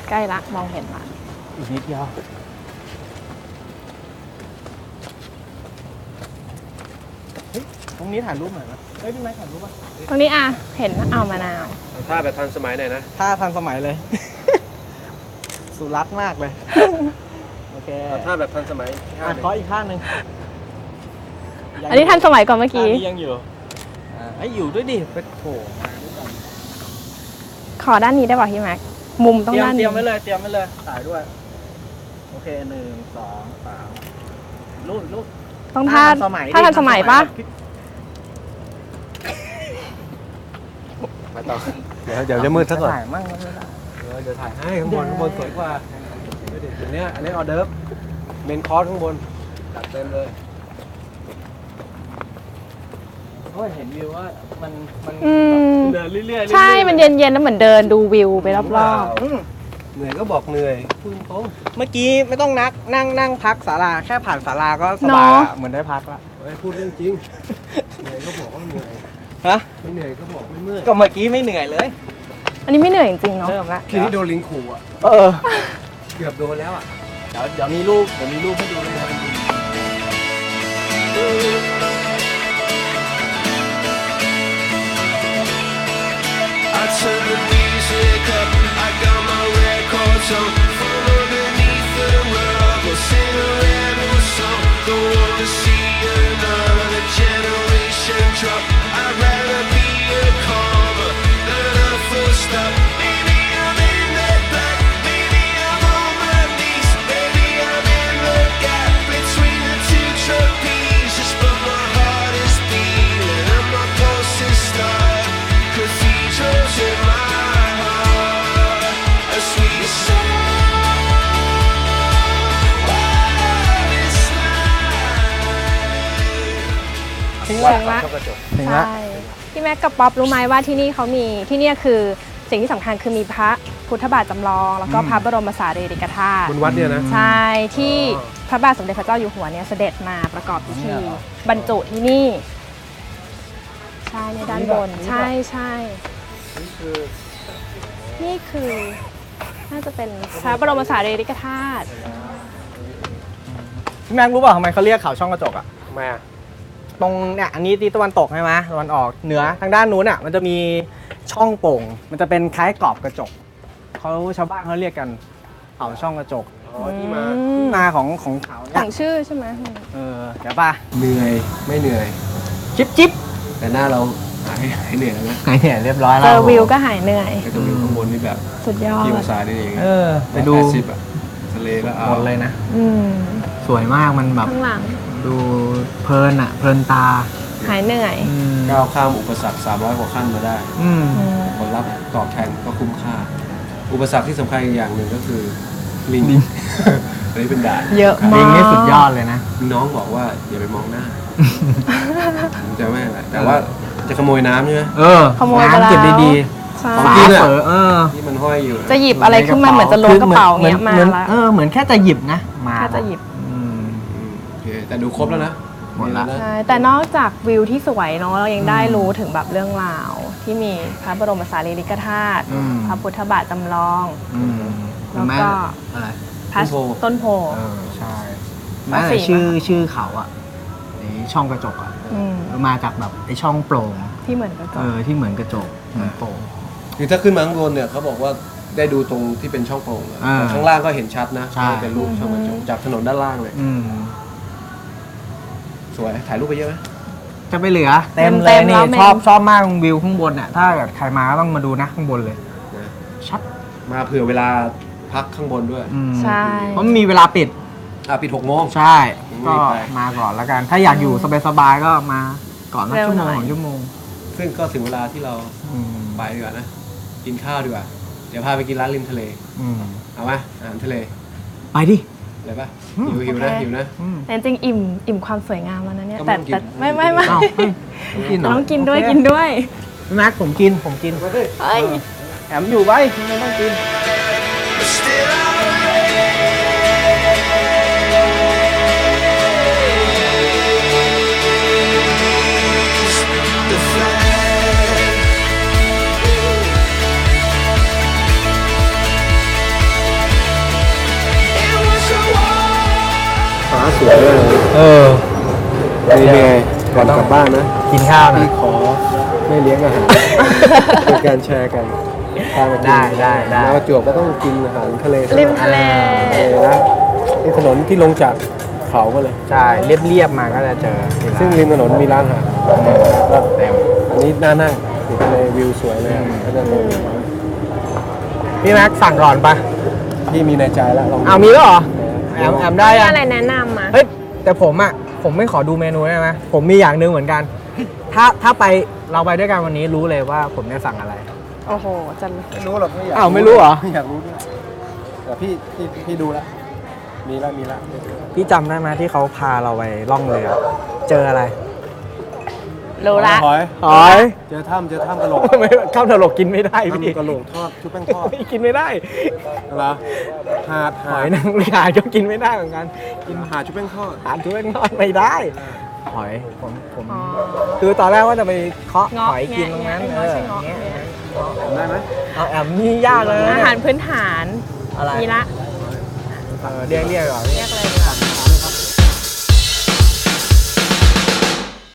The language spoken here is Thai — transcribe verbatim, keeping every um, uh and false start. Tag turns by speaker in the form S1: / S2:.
S1: ใกล้ละมองเห็นละ
S2: อีกนิดเดียวเฮ้ยตรงนี้ถ่ายรูปหน่อยนะเฮ้ยพี่ไม้ถ่ายรูปป่ะ
S1: ตรงนี้อ่ะเห็นเอามะนาว
S3: ท่าแบบทันสมัยหน่อยนะ
S2: ท่าทันสมัยเลย สุรัตน์มากเลยโอเค
S3: ท่าแบบทันสมัย
S2: อ่ะขออีกข้างหนึ่ง
S1: อันนี้ทันสมัยกว่าเมื่อกี้
S2: ยังอยู่ไอ้อยู่ด้วยดิไปโผล่มาด้วยกัน
S1: ขอด้านนี้ได้ป่ะพี่แม็กมุมต้องด้านนี้
S2: เตรียมไว้เลยเตรียมไว้เลยถ่ายด้วยโอเคหนึ่งสองสามรูปรูป
S1: ต้องท่าท่าทันสมัยปะ
S3: ไปต่อเดี๋ยวเดี๋ยวจะมืดซะก่อน
S2: ถ่ายมั่งไม่ได้
S3: เดี๋ยวถ่ายให้ข้างบนข้างบนสวยกว่าเดี๋ยวนี้อันนี้ออเดิร์ฟเมนคอร์สข้างบนจัดเต็มเลย
S2: เพราะเห็นวิวว่ามันมันเดินเรื่อย
S1: ๆใช่มันเย็นๆแล้วเหมือนเดินดูวิวไปรอบ
S3: ๆเหนื่อยก็บอกเหนื่อยพูดตรง
S2: เมื่อกี้ไม่ต้องนักนั่งนั่งพักศาลาแค่ผ่านศาลาก็สบายเหมือนได้พักละ
S3: พูดเรื่องจริงเหนื่อยก็บอกว่าเหนื่อย
S2: ฮะ
S3: ไม่เหนื่อยก็บอกไม่เมื่อย
S2: ก็เมื่อกี้ไม่เหนื่อยเลย
S1: อันนี้ไม่เหนื่อยจริงๆเนาะ
S2: เริ่มละ
S3: ทีนี้โดนลิงขู่อ่ะ
S2: เออ
S3: เกือบโดนแล้วอ่ะ
S2: เดี๋ยวเดี๋ยวมีรูปเดี๋ยวมีรูปให้ดูเลย
S4: I turn the music up, I got my records on. From underneath the rug, we'll sing a random song. Don't wanna see another generation drop. I'd rather be a comma than a full stop. Maybe I'm in the back, maybe I'm on my knees. Maybe I'm in the gap between the two trapezes. But my heart is beating and my pulse is starting. Cathedrals in my heart, a sweet song. What is life?
S1: ถึงแล้ว
S2: ถึงแล้ว
S1: ใช่พี่แม็กกับป๊อปรู้ไหมว่าที่นี่เขามีที่นี่คือสิ่งที่สำคัญคือมีพระพุทธบาทจำลองแล้วก็พระบรมสารีริกธาตุ
S3: บนวัดเนี่ยนะ
S1: ใช่ที่พระบาทสมเด็จพระเจ้าอยู่หัวเนี่ยเสด็จมาประกอบพิธีบรรจุที่นี่ใช่ในด้านบนใช่ใช่นี่คือนี่คือน่าจะเป็นพระบรมสารีริกธาตุ
S2: พี่แม็กรู้ป่ะทำไมเขาเรียกเขาช่องกระจกอ่ะ
S3: ทำไมอ่ะ
S2: ตรงเนี่ยอันนี้ที่ตะวันตกใช่ไหมตะวันออกเหนือทางด้านนู้นอ่ะมันจะมีช่องโป่งมันจะเป็นคล้ายกรอบกระจกเขาชาวบ้านเขาเรียกกันเขาช่องกระจก
S3: อ๋อที่มา
S2: ที่มาของของเขาเนี่
S1: ยของชื่อใช่ไหม
S2: เออเดี๋ยวป่ะ
S3: เหนื่อยไม่เหนื่อย
S2: จิ๊บจิ๊บ
S3: แต่หน้าเราหายหายเหนื่อยแล้วนะ
S2: หายเหนื่อยเรียบร้อยแล้ว
S1: เจอวิวก็หายเหนื่อย
S3: ไปดูวิวข้างบนนี่แบบ
S1: สุดยอด
S3: ที่องศาได้เอง
S2: เออไปดู
S3: ทะเลก็เอา
S2: หมดเลยนะสวยมากมันแบบ
S1: ข้างหลัง
S2: ดูเพลินอ่ะเพลินตา
S1: หายเหนื่อย
S3: ก้าวข้ามอุปสรรคสามร้อยกว่าขั้นมาได้ผลลัพธ์ตอบแทนก็คุ้มค่าอุปสรรคที่สำคัญอีกอย่างหนึ่งก็คือลิงอันนี้เป็นด่าน
S1: เยอะมาก
S2: ลิงนี่สุดยอดเลยนะ
S3: น้องบอกว่าอย่าไปมองหน้าจะไม่อะไรแต่ว่าจะขโมยน้ำใช่ไหม
S2: เออ
S1: ขโมย
S2: น้ำเก็บดี
S1: ๆ
S2: ของกินอ่ะเออ
S3: ที่มันห้อยอยู่
S1: จะหยิบอะไรขึ้นมาเหมือนจะล้วงกระเป๋าเงี้ยมา
S2: แล้วเออเหมือนแค่จะหยิบนะมา
S1: แค่จะหยิบ
S3: โอเคแต่ดูครบแล้วนะ
S2: หมดละ
S1: ใช่แต่นอกจากวิวที่สวยเนาะเรายังได้รู้ถึงแบบเรื่องราวที่มีพระบรมสารีริกธาตุพระพุทธบาทจำลองแล้วก็
S2: อะไร
S1: ต้นโพ
S2: ใช่แม้แต่ชื่อชื่อเขาอ่ะช่องกระจกอ่ะมาจากแบบไอช่องโปร่ง
S1: ที่เหมือนกระจก
S2: เออที่เหมือนกระจกเหมือนโปร่ง
S3: คือถ้าขึ้นมาข้างบนเนี่ยเขาบอกว่าได้ดูตรงที่เป็นช่องโปร่งข้างล่างก็เห็นชัดนะเป็นรูปช่องกระจกจากถนนด้านล่างเลยสวยถ่ายรูปไปเยอะไหม
S2: จะไปเหลือเต็มเลยนี่ชอบชอบมากวิวข้างบนเนี่ยถ้าเกิดใครมาก็ต้องมาดูนะข้างบนเลยชัด
S3: มาเผื่อเวลาพักข้างบนด้วย
S1: ใช่
S2: เพราะมีเวลาปิด
S3: อ่ะปิดหกโมง
S2: ใช่ก็มาก่อนแล้วกันถ้าอยากอยู่สบายๆก็มาก่อนสักชั่วโมงสองชั่วโมง
S3: ซึ่งก็ถึงเวลาที่เราไปดีกว่านะกินข้าวดีกว่าเดี๋ยวพาไปกินร้านริมทะเลเอาไหมอาหารทะเล
S2: ไปดิ
S3: อะไรป่ะหิวหิวนะหิวนะ
S1: แต่จริงอิ่มอิ่มความสวยงามแล้วนะเนี่ยแต่แต่ไม่ไม่ไม่ต้องกินด้วยกินด้วย
S2: พี่แม็กผมกินผมกิน
S1: เฮ้ย
S2: แถมอยู่ไว้ไม่ต้องกิน
S3: สวยมากเลย
S2: เออ
S3: นี่ไงก่อนกลับบ้านนะ
S2: กินข้าวนะ
S3: พี่ขอไม่เลี้ยงอาหาร เป็นการแชร์กันพามากิน
S2: ได้ได้ได้
S3: แล้วประจวบก็ต้องกินอาหารทะเล
S1: ริมทะเล
S3: ทะเลนะนี่ถนนที่ลงจากเขาก็เลย
S2: ใช่เรียบๆมาก็จะเจอที่ร้าน
S3: ซึ่งริมถนนมีร้านอาหารก็
S2: เต็ม
S3: อันนี้น่านั่งติดทะเลวิวสวยเลยก็จะลง
S2: พี่แม็กสั่งก่อนปะ
S3: พี่มีในใจแล้วลอง
S2: เอามีแล้วเหรอแอมแอมได้
S1: มี
S2: ยัง
S1: อะไรแนะนำมา
S2: เฮ้ยแต่ผมอ่ะผมไม่ขอดูเมนูได้ไหมผมมีอย่างหนึ่งเหมือนกัน ถ้าถ้าไปเราไปด้วยกันวันนี้รู้เลยว่าผมจะสั่งอะไร
S1: โอ้โหจัน
S3: ไม่รู้หรอกไม่อยาก
S2: อ้าวไม่รู้เหรอ
S3: ไม่อยากรู้ด้วยแต่พี่พี่พี่ดูแล้วมีแล้วมีแล้ว
S2: พี่จำได้ไหมที่เขาพาเราไปล่องเรือเจออะไร
S1: รู้ละ
S3: หอย
S2: หอย
S3: เจอถ้ำเจอถ้ำกระโหลก
S2: ไม่ข้าวตลกกินไม่ได้พี่
S3: ถ้ำกระโหลกทอดชุบแป้งทอด
S2: ไม่กินไม่ได้
S3: เหรอหาด
S2: ห
S3: หา
S2: อ
S3: ด
S2: ยนางรมก็กินไม่ได้เหมือนกัน
S3: กินหาดชุบแป้งทอด
S2: ทานทุเรียนทอดไม่ได้ หอยผมผม
S1: อ๋อ
S2: คือตอนแรกว่าจะไปเคาะ
S1: เงาะ
S2: หอยกินตรงนั้น
S1: แงะ
S2: เออ
S1: ไม่ใช่เงาะ
S2: แงะ
S3: ได้ไหม
S2: เอาแอมนี่ยากเลยนะ
S1: อาหารพื้นฐาน
S2: อะไร
S1: มีละ
S2: เออเรียกเรียกก่อน
S1: เรียกเลย